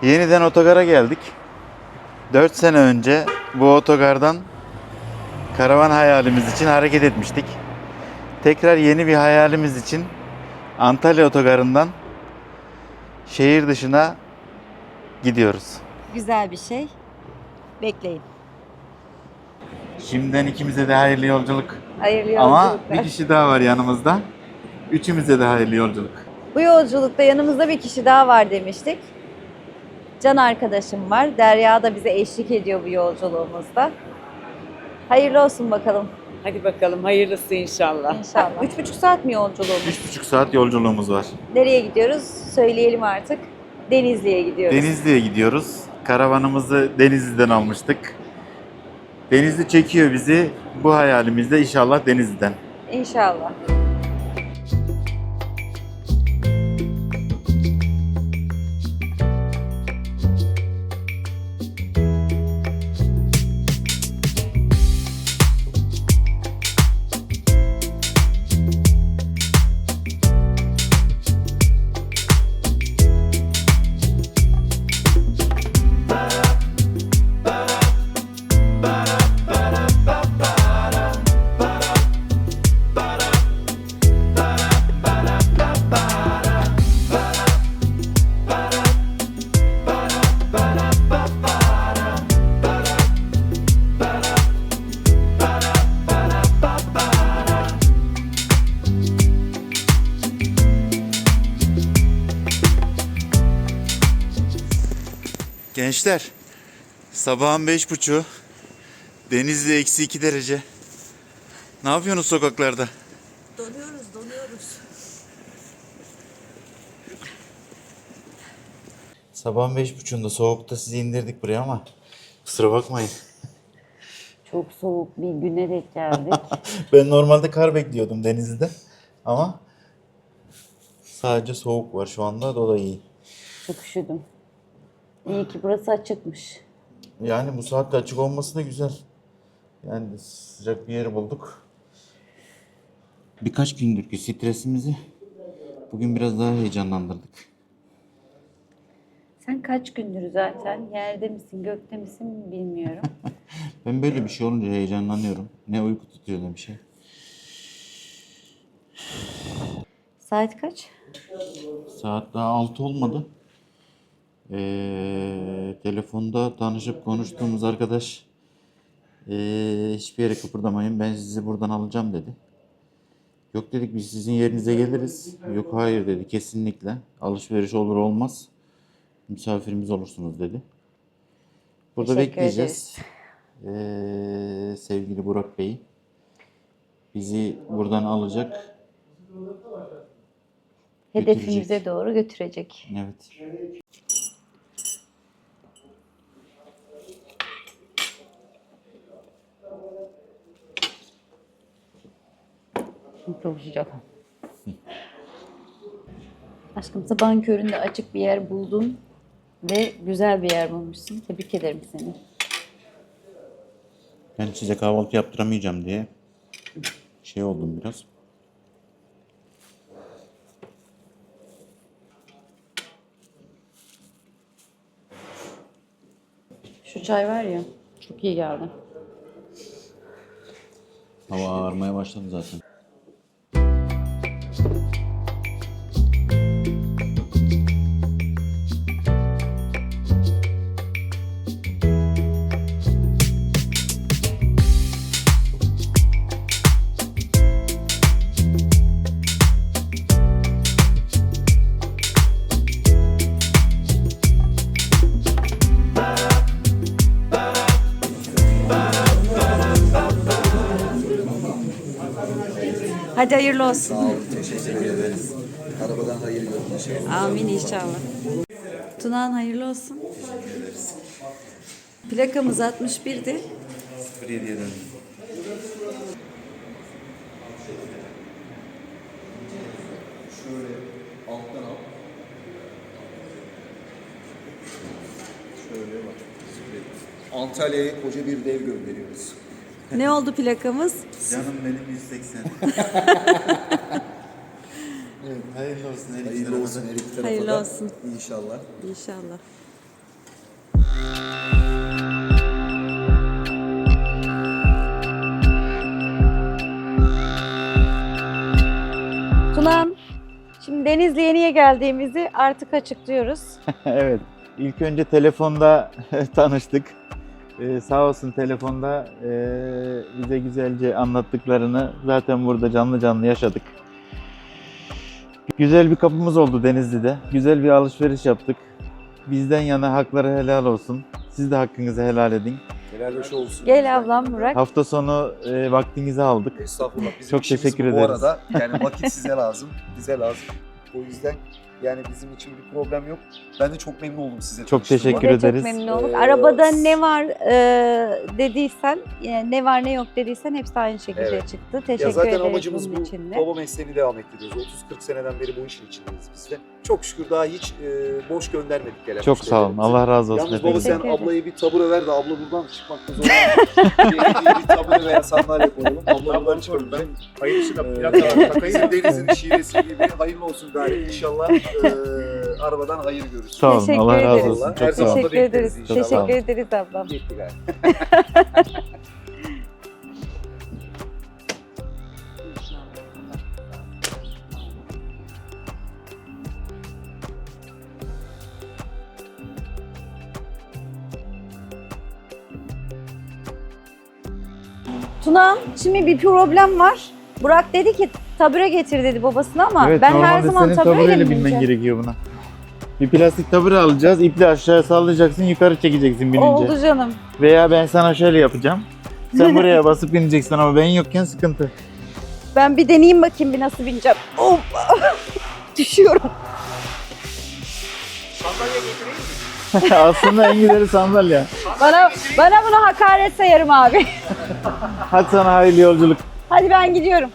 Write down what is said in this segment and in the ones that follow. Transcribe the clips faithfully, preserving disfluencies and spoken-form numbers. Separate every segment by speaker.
Speaker 1: Yeniden otogara geldik. dört sene önce bu otogardan karavan hayalimiz için hareket etmiştik. Tekrar yeni bir hayalimiz için Antalya otogarından şehir dışına gidiyoruz.
Speaker 2: Güzel bir şey. Bekleyin.
Speaker 1: Şimdiden ikimize de hayırlı yolculuk.
Speaker 2: Hayırlı
Speaker 1: Ama
Speaker 2: yolculuklar.
Speaker 1: bir kişi daha var yanımızda. Üçümüze de hayırlı yolculuk.
Speaker 2: Bu yolculukta yanımızda bir kişi daha var demiştik. Can arkadaşım var. Derya da bize eşlik ediyor bu yolculuğumuzda. Hayırlı olsun bakalım.
Speaker 3: Hadi bakalım hayırlısı inşallah.
Speaker 2: İnşallah. Üç buçuk saat mi yolculuğumuz?
Speaker 1: Üç buçuk saat yolculuğumuz var.
Speaker 2: Nereye gidiyoruz? Söyleyelim artık. Denizli'ye gidiyoruz.
Speaker 1: Denizli'ye gidiyoruz. Karavanımızı Denizli'den almıştık. Denizli çekiyor bizi. Bu hayalimizde inşallah Denizli'den.
Speaker 2: İnşallah.
Speaker 1: Gençler, sabahın beş buçuğu, Denizli eksi iki derece. Ne yapıyorsunuz sokaklarda?
Speaker 2: Donuyoruz, donuyoruz.
Speaker 1: Sabahın beş buçuğunda soğukta sizi indirdik buraya ama kusura bakmayın.
Speaker 2: Çok soğuk bir güne denk geldik.
Speaker 1: Ben normalde kar bekliyordum Denizli'de ama sadece soğuk var şu anda, o da iyi.
Speaker 2: Çok üşüdüm. İyi ki burası açıkmış.
Speaker 1: Yani bu saatte açık olması da güzel. Yani sıcak bir yer bulduk. Birkaç gündür ki stresimizi bugün biraz daha heyecanlandırdık.
Speaker 2: Sen kaç gündür zaten yerde misin, gökte misin bilmiyorum.
Speaker 1: Ben böyle bir şey olunca heyecanlanıyorum. Ne uyku tutuyor ne bir şey.
Speaker 2: Saat kaç?
Speaker 1: Saat daha altı olmadı. Ee, telefonda tanışıp konuştuğumuz arkadaş ee, hiçbir yere kıpırdamayın, ben sizi buradan alacağım dedi. Yok dedik, biz sizin yerinize geliriz. Yok hayır dedi, kesinlikle. Alışveriş olur olmaz. Misafirimiz olursunuz dedi. Burada
Speaker 2: Teşekkür
Speaker 1: bekleyeceğiz. Ee, sevgili Burak Bey bizi buradan alacak.
Speaker 2: Hedefimize
Speaker 1: Götürecek.
Speaker 2: doğru götürecek.
Speaker 1: Evet.
Speaker 2: Çok sıcak. Aşkım sabahın köründe açık bir yer buldun ve güzel bir yer bulmuşsun. Tebrik ederim seni.
Speaker 1: Ben size kahvaltı yaptıramayacağım diye şey oldum biraz.
Speaker 2: Şu çay var ya, çok iyi geldi.
Speaker 1: Hava ağarmaya başladı zaten.
Speaker 2: Hadi hayırlı olsun.
Speaker 4: Sağ olun, teşekkür ederiz. Arabadan hayır görün inşallah.
Speaker 2: Amin inşallah. Tunağan hayırlı olsun.
Speaker 1: Teşekkür ederiz.
Speaker 2: Plakamız altmış birdi.
Speaker 1: sıfır yediye döndüm.
Speaker 4: Şöyle alttan al. Şöyle bak. Antalya'ya koca bir dev gönderiyoruz.
Speaker 2: Ne oldu plakamız?
Speaker 1: Canım benim yüz seksen. Evet, hayırlı olsun her iki
Speaker 4: Hayırlı
Speaker 1: tarafa
Speaker 4: olsun
Speaker 1: da.
Speaker 4: her iki tarafa
Speaker 2: Hayırlı
Speaker 4: da.
Speaker 2: olsun.
Speaker 4: İnşallah.
Speaker 2: İnşallah. Tunan, şimdi Denizli'ye niye geldiğimizi artık açıklıyoruz.
Speaker 1: Evet. İlk önce telefonda tanıştık. Ee, sağ olsun telefonda e, bize güzelce anlattıklarını zaten burada canlı canlı yaşadık. Güzel bir kapımız oldu Denizli'de. Güzel bir alışveriş yaptık. Bizden yana hakları helal olsun. Siz de hakkınızı helal edin.
Speaker 4: Helal hoş olsun.
Speaker 2: Gel ablam Burak.
Speaker 1: Hafta sonu e, vaktinizi aldık.
Speaker 4: Estağfurullah. Bizim
Speaker 1: Çok
Speaker 4: işimiz
Speaker 1: teşekkür
Speaker 4: bu
Speaker 1: ederiz.
Speaker 4: Bu arada yani vakit size lazım, bize lazım. O yüzden yani bizim için bir problem yok. Ben de çok memnun oldum size
Speaker 1: Çok
Speaker 4: tanıştığıma.
Speaker 1: teşekkür
Speaker 2: Biz de
Speaker 1: ederiz.
Speaker 2: çok memnun olduk.
Speaker 4: Ee,
Speaker 2: Arabada ne var e, dediysen, yani ne var ne yok dediysen hepsi aynı şekilde
Speaker 4: Evet.
Speaker 2: çıktı. Teşekkür
Speaker 4: Ya zaten
Speaker 2: ederiz
Speaker 4: amacımız
Speaker 2: bunun
Speaker 4: bu.
Speaker 2: için de.
Speaker 4: Baba mesleğini devam ettiriyoruz. otuz kırk seneden beri bu işin içindeyiz biz de. Çok şükür daha hiç e, boş göndermedik gelen
Speaker 1: Çok sağ olun.
Speaker 4: müşterilerimizi.
Speaker 1: Allah razı olsun.
Speaker 4: Yalnız baba
Speaker 1: efendim.
Speaker 4: sen
Speaker 2: Teşekkür ederim.
Speaker 4: ablaya bir tabure ver de abla buradan çıkmakta zorlanıyor. bir tabure veya sandalye koyalım. Abla buradan çıkamayacak.
Speaker 5: Hayırlısı da
Speaker 4: Ee,
Speaker 5: plakalar takayım.
Speaker 4: Bizim denizin şivesi gibi hayırlı olsun gari. İnşallah e, arabadan hayır görürüz.
Speaker 1: Sağ olun.
Speaker 2: Teşekkür
Speaker 1: Allah razı
Speaker 2: ederiz.
Speaker 1: olsun.
Speaker 4: Her
Speaker 1: Çok sağ
Speaker 4: zaman
Speaker 1: olun.
Speaker 4: da
Speaker 2: Teşekkür
Speaker 4: bekleriz
Speaker 2: ederiz.
Speaker 4: inşallah.
Speaker 1: Çok sağ olun.
Speaker 2: Teşekkür ederiz ablam.
Speaker 4: Gitti gari.
Speaker 2: Tuna, şimdi bir problem var. Burak dedi ki tabure getir dedi babasına ama
Speaker 1: Evet,
Speaker 2: ben her
Speaker 1: normalde
Speaker 2: zaman
Speaker 1: senin
Speaker 2: tabureyle
Speaker 1: tabureyle
Speaker 2: mi
Speaker 1: binmen
Speaker 2: bineceğim?
Speaker 1: gerekiyor buna. Bir plastik tabure alacağız. İple aşağıya sallayacaksın, yukarı çekeceksin binince.
Speaker 2: Oldu canım.
Speaker 1: Veya ben sana şöyle yapacağım. Sen buraya basıp bineceksin ama ben yokken sıkıntı.
Speaker 2: Ben bir deneyeyim bakayım bir nasıl bineceğim. Of! Düşüyorum.
Speaker 5: Sandalye getireyim mi?
Speaker 1: Aslında en güzeli sandalye.
Speaker 2: Bana bana bunu hakaret sayarım abi.
Speaker 1: Hadi sana hayırlı yolculuk.
Speaker 2: Hadi ben gidiyorum.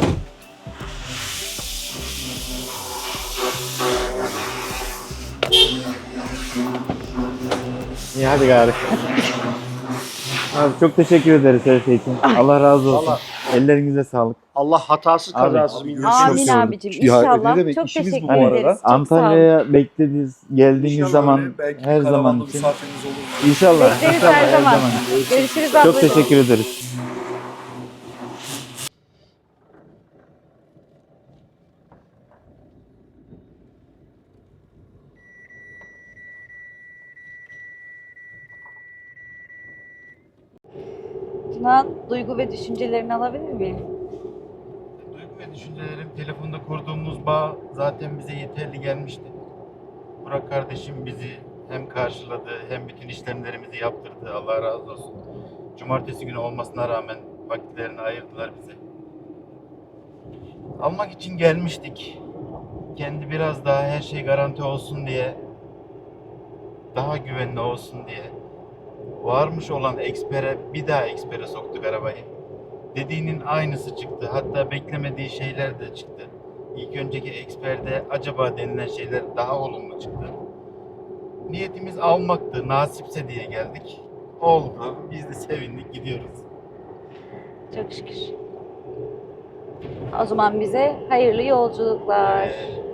Speaker 1: İyi hadi gari. Abi çok teşekkür ederiz her şey için. Allah razı olsun.
Speaker 5: Vallahi.
Speaker 1: Ellerinize sağlık.
Speaker 5: Allah hatasız
Speaker 1: Abi,
Speaker 5: kazasız
Speaker 4: abi,
Speaker 5: bir
Speaker 4: görüşürüz.
Speaker 2: Amin
Speaker 4: gördüm.
Speaker 2: abicim.
Speaker 4: Ya,
Speaker 2: İnşallah.
Speaker 4: ne demek,
Speaker 2: Çok
Speaker 4: işimiz bu
Speaker 2: teşekkür
Speaker 4: bu arada.
Speaker 2: ederiz. Çok sağ olun.
Speaker 1: Antalya'ya beklediğiniz, geldiğiniz
Speaker 4: İnşallah
Speaker 1: zaman
Speaker 4: öyle, belki
Speaker 1: her
Speaker 4: bir
Speaker 1: zaman
Speaker 4: karavanlı
Speaker 1: için.
Speaker 4: misafiriniz olur.
Speaker 1: İnşallah.
Speaker 2: Bekleriz
Speaker 1: inşallah,
Speaker 2: her zaman. Görüşürüz ablacığım.
Speaker 1: Çok teşekkür ederiz.
Speaker 2: Tuna, duygu ve düşüncelerini alabilir miyim?
Speaker 1: Duygu ve düşüncelerim, telefonda kurduğumuz bağ zaten bize yeterli gelmişti. Burak kardeşim bizi hem karşıladı hem bütün işlemlerimizi yaptırdı. Allah razı olsun. Cumartesi günü olmasına rağmen vakitlerini ayırdılar bize. Almak için gelmiştik. Kendi biraz daha her şey garanti olsun diye, daha güvenli olsun diye varmış olan Expert'e bir daha Expert'e soktuk arabayı. Dediğinin aynısı çıktı. Hatta beklemediği şeyler de çıktı. İlk önceki Expert'e acaba denilen şeyler daha olumlu çıktı. Niyetimiz almaktı. Nasipse diye geldik. Oldu. Biz de sevindik. Gidiyoruz.
Speaker 2: Çok şükür. O zaman bize hayırlı yolculuklar.
Speaker 1: Ee,